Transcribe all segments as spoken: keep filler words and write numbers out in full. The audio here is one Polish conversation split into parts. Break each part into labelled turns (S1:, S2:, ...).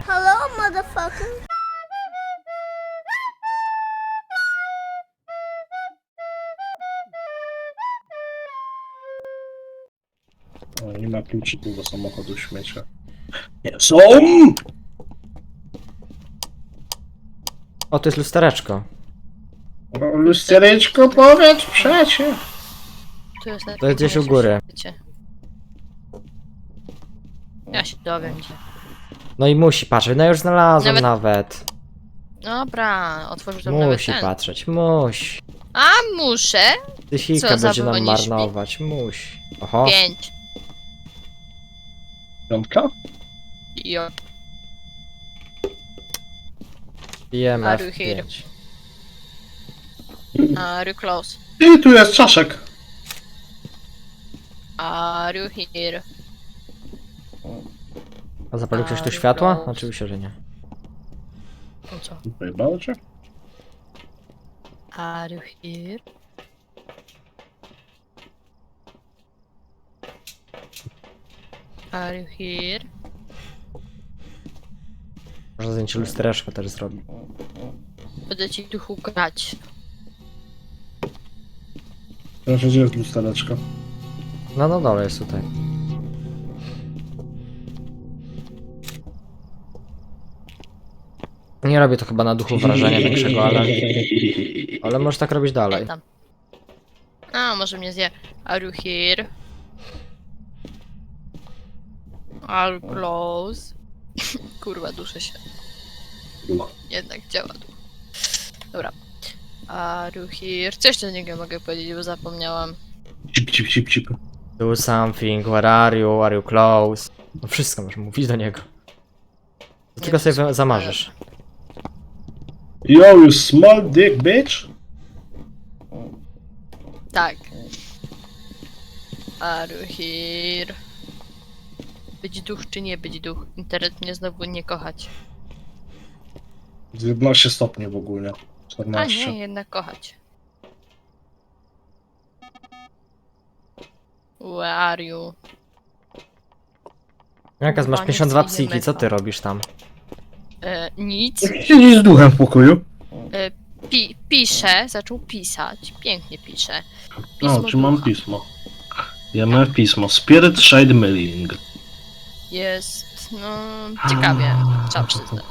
S1: Hello, motherfucker.
S2: O, nie ma kluczyków do samochodu śmiecia. Nie są!
S3: O, to jest lustereczko.
S2: O, lustereczko, powiedz przecie.
S4: Tu jest
S3: To jest gdzieś u góry.
S4: Wiecie. Ja się dowiem gdzie.
S3: No i musi patrzeć, no już znalazłem
S4: Nawet-
S3: nawet.
S4: Dobra, otworzył tam nawet
S3: Musi
S4: ten.
S3: patrzeć, musi.
S4: A muszę?
S3: Tysiłka
S4: Co,
S3: będzie nam
S4: zapomnisz mi?
S3: marnować, musi. Oho,
S4: Pięć.
S2: Piątka?
S4: Jo.
S3: pijemy
S4: Are you
S3: F
S4: here?
S3: pięć.
S4: Are you close?
S2: I tu jest czaszek.
S4: Are you here?
S3: A zapalił ktoś tu
S4: Are
S3: światła?
S4: close.
S3: Oczywiście, że nie.
S4: No co?
S2: Pojebało cię?
S4: Are you here? Are you here?
S3: Może zdjęcie lustereczko też zrobi.
S4: Będę ci duchu grać.
S2: Proszę, gdzie jest lustereczko?
S3: No, no dole jest tutaj. Nie robię to chyba na duchu wrażenia większego, ale... Ale możesz tak robić dalej.
S4: Tam. A, może mnie zje. Are you here? Are you close? Kurwa, duszę się.
S2: No.
S4: Jednak działa duch. Dobra. Are you here? Coś do niego mogę powiedzieć, bo zapomniałam.
S2: Cip, cip, cip, cip.
S3: Do something, where are you, are you close? No wszystko możesz mówić do niego. To tylko sobie
S4: wiem,
S3: zamarzysz.
S2: Yo, you small dick bitch!
S4: Tak. Are you here? Być duch czy nie być duch? Internet mnie znowu nie kochać.
S2: dziewiętnaście stopni w ogóle.
S4: A
S2: czternaście.
S4: nie, jednak kochać. Where are you?
S3: Jaka masz
S4: Koniec
S3: pięćdziesiąt dwa
S4: idziemy
S3: psiki, co ty
S4: tam.
S3: robisz tam?
S4: E, nic.
S2: Siedzi z duchem w pokoju.
S4: E, pi pisze, zaczął pisać. Pięknie pisze.
S2: O,
S4: Pismo
S2: czy mam
S4: ducha.
S2: pismo? Ja mam pismo. Spirit Shade Mailing.
S4: Jest, no, ciekawie, trzeba przyznać.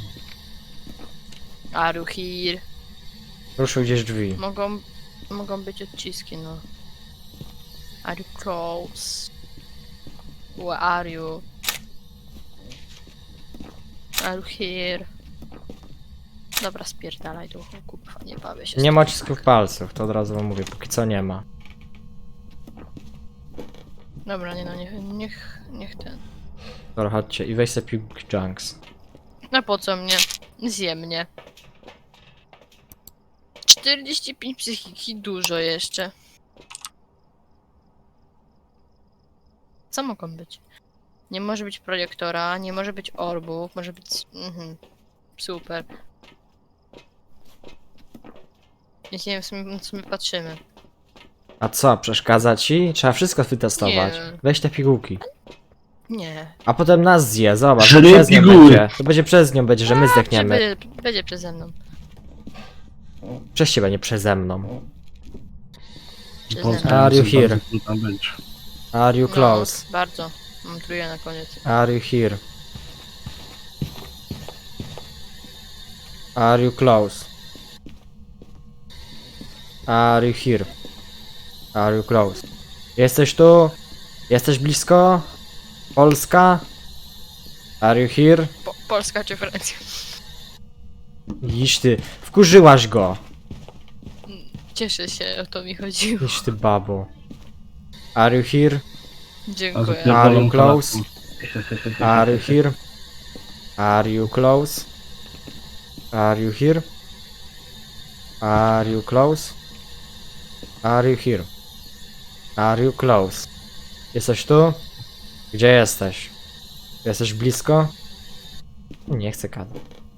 S4: Are you here?
S3: Ruszył gdzieś drzwi.
S4: Mogą, mogą być odciski, no. Are you close? Where are you? Are you here? Dobra, spierdalaj duchu, kurwa, nie bawię się. z
S3: Nie
S4: tym.
S3: ma odcisków palców, to od razu wam mówię, póki co nie ma.
S4: Dobra, nie no, niech, niech, niech ten.
S3: Dobra, chodźcie i weź sobie Pig Junks.
S4: No po co mnie? Zje mnie. czterdzieści pięć psychiki, dużo jeszcze. Co mogą być? Nie może być projektora, nie może być orbów, może być... Mhm. Super. Więc nie wiem, w sumie, na co my patrzymy.
S3: A co, przeszkadza ci? Trzeba wszystko wytestować.
S4: Nie.
S3: Weź te pigułki.
S4: Nie.
S3: A potem nas zje, zobacz,
S2: Że
S3: to
S2: nie
S3: przez nią
S2: piguły.
S3: będzie. To będzie przez nią, będzie, że my
S4: A,
S3: zdechniemy.
S4: Będzie, będzie przeze mną.
S3: Przez ciebie, nie przeze mną.
S4: Przeze mną.
S3: Are you here?
S2: Co tam będzie?
S3: Are you close?
S4: No, bardzo. Mam trójkę na koniec.
S3: Are you here? Are you close? Are you here? Are you close? Jesteś tu? Jesteś blisko? Polska? Are you here?
S4: Po Polska czy Francja?
S3: Iść ty, wkurzyłaś go!
S4: Cieszę się, o to mi chodziło.
S3: Iść ty babo. Are you here?
S4: Dziękuję.
S3: Are you close? Are you here? Are you close? Are you here? Are you close? Are you here? Are you close? Jesteś tu? Gdzie jesteś? Jesteś blisko? Nie chcę kadać.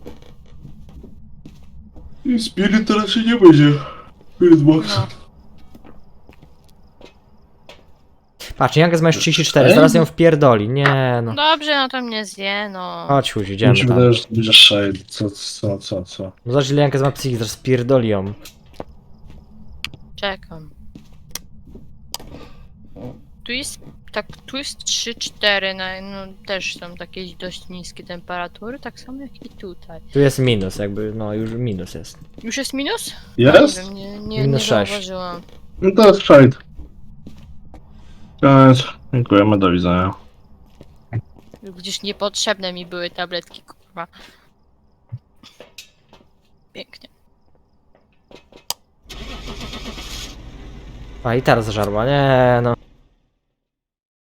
S2: I Spirit to raczej nie będzie. Spirit Box.
S4: No.
S3: Patrz, Jankes ma już trzydzieści cztery, zaraz ją wpierdoli. Nie no.
S4: Dobrze, no to mnie zje, no.
S3: Chodź, Huzi,
S2: Mi
S3: idziemy
S2: się
S3: tam.
S2: wydaje, że to będzie shade. Co, co, co, co?
S3: No zobacz, ile Jankes ma psychiki, zaraz spierdoli ją.
S4: Czekam. Tu jest, tak, tu jest trzy cztery, no, no też są takie dość niskie temperatury, tak samo jak i tutaj.
S3: Tu jest minus, jakby, no już minus jest.
S4: Już jest minus?
S2: Jest?
S4: Nie wiem, nie, nie,
S3: Minus
S4: nie
S3: sześć.
S4: zauważyłam.
S2: No to jest shade. Koniec. Dziękujemy, do widzenia.
S4: Gdzieś niepotrzebne mi były tabletki, kurwa. Pięknie.
S3: A i teraz zażarła, nie no.